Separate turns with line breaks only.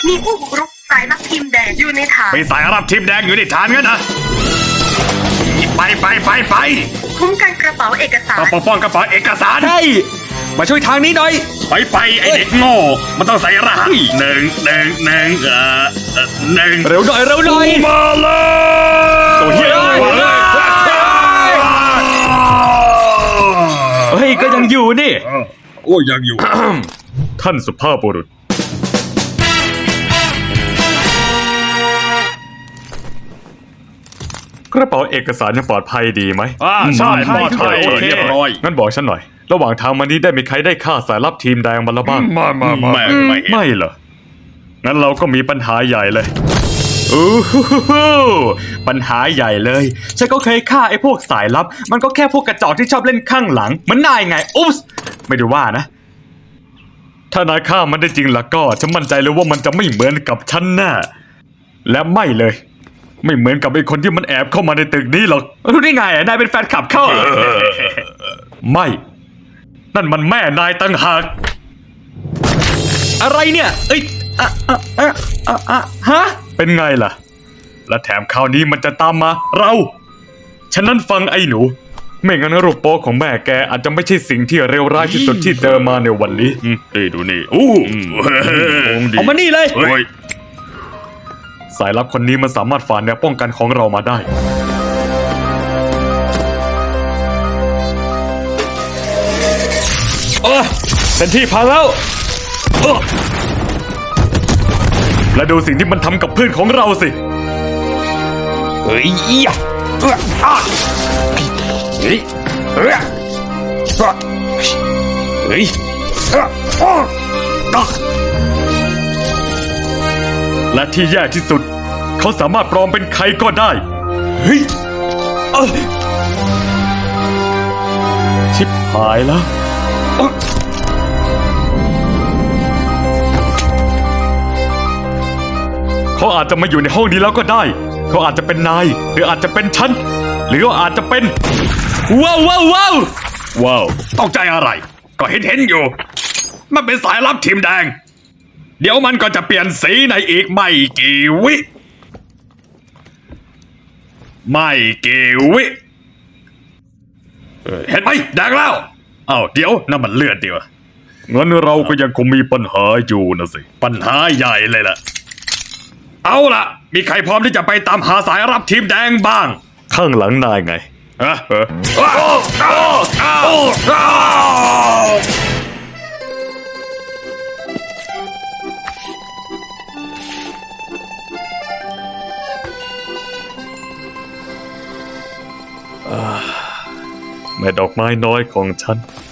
มีผู้บุกรุกสายลับทีมแดงอยู่ในฐาน
ไปสายรับทีมแดงอยู่ในฐานกันนะไป
คุ้มกันกระเป๋าเอกสาร
ต้องปกป้องกระเป๋าเอกสาร
ใช่มาช่วยทางนี้หน่อย
ไปไอเด็กโง่มันต้องใส่รหัสหนึ่ง
เร็วหน่อย
มาเลย
ตัวเฮียเฮ้ยก็ยังอยู่นี่
โอ้ยังอยู่
ท่านสุภาพบุรุษกระเป๋าเอกสารยังปลอดภัยดีไหม
ใช่ปลอดภัย
โอเค
เรียบร้อย
งั้นบอกฉันหน่อย ระหว่างทางมานี้ได้มีใครได้ฆ่าสายลับทีมแดงมาแล้วบ้าง ไม่เหรอ งั้นเราก็มีปัญหาใหญ่เลยปัญหาใหญ่เลย ฉันก็เคยฆ่าไอ้พวกสายลับ มันก็แค่พวกกระจอกที่ชอบเล่นข้างหลังเหมือนนายไง อุ๊บไม่ได้ว่านะ ถ้านายฆ่ามันได้จริงแล้วก็ฉันมั่นใจเลยว่ามันจะไม่เหมือนกับฉันแน่และไม่เลย ไม่เหมือนกับไอ้คนที่มันแอบเข้ามาในตึกนี้หรอกรู้ได้ไงนายเป็นแฟนคลับเขาไม่ นั่นมันแม่นายตั้งหากอะไรเนี่ยเอ้ยฮะเป็นไงล่ะและแถมคราวนี้มันจะตามมาเราฉะนั้นฟังไอ้หนูไม่งั้นรูปโป๊ของแม่แกอาจจะไม่ใช่สิ่งที่เลวร้ายที่สุดที่เจอมาในวันนี้
ดูนี่
เอามานี่เลยสายลับคนนี้มันสามารถฝ่าแนวป้องกันของเรามาได้เส้นที่พังแล้วและดูสิ่งที่มันทำกับเพื่อนของเราสิเฮ้ยและที่แย่ที่สุดเขาสามารถปลอมเป็นใครก็ได้เฮ้ยชิบหายแล้วเขาอาจจะมาอยู่ในห้องนี้แล้วก็ได้เขาอาจจะเป็นนายหรืออาจจะเป็นฉันหรืออาจจะเป็นว้าว
ตกใจอะไรก็เห็นอยู่มันเป็นสายลับทีมแดงเดี๋ยวมันก็จะเปลี่ยนสีในอีกไม่กี่วิเห็นไหมแดงแล้วเดี๋ยวนั่นมันเลือดเดียวงั้นเราก็ยังคงมีปัญหาอยู่นะสิปัญหาใหญ่เลยล่ะเอาล่ะมีใครพร้อมที่จะไปตามหาสายรับทีมแดงบ้าง
ข้างหลังนายไงแม่ดอกไม้น้อยของฉัน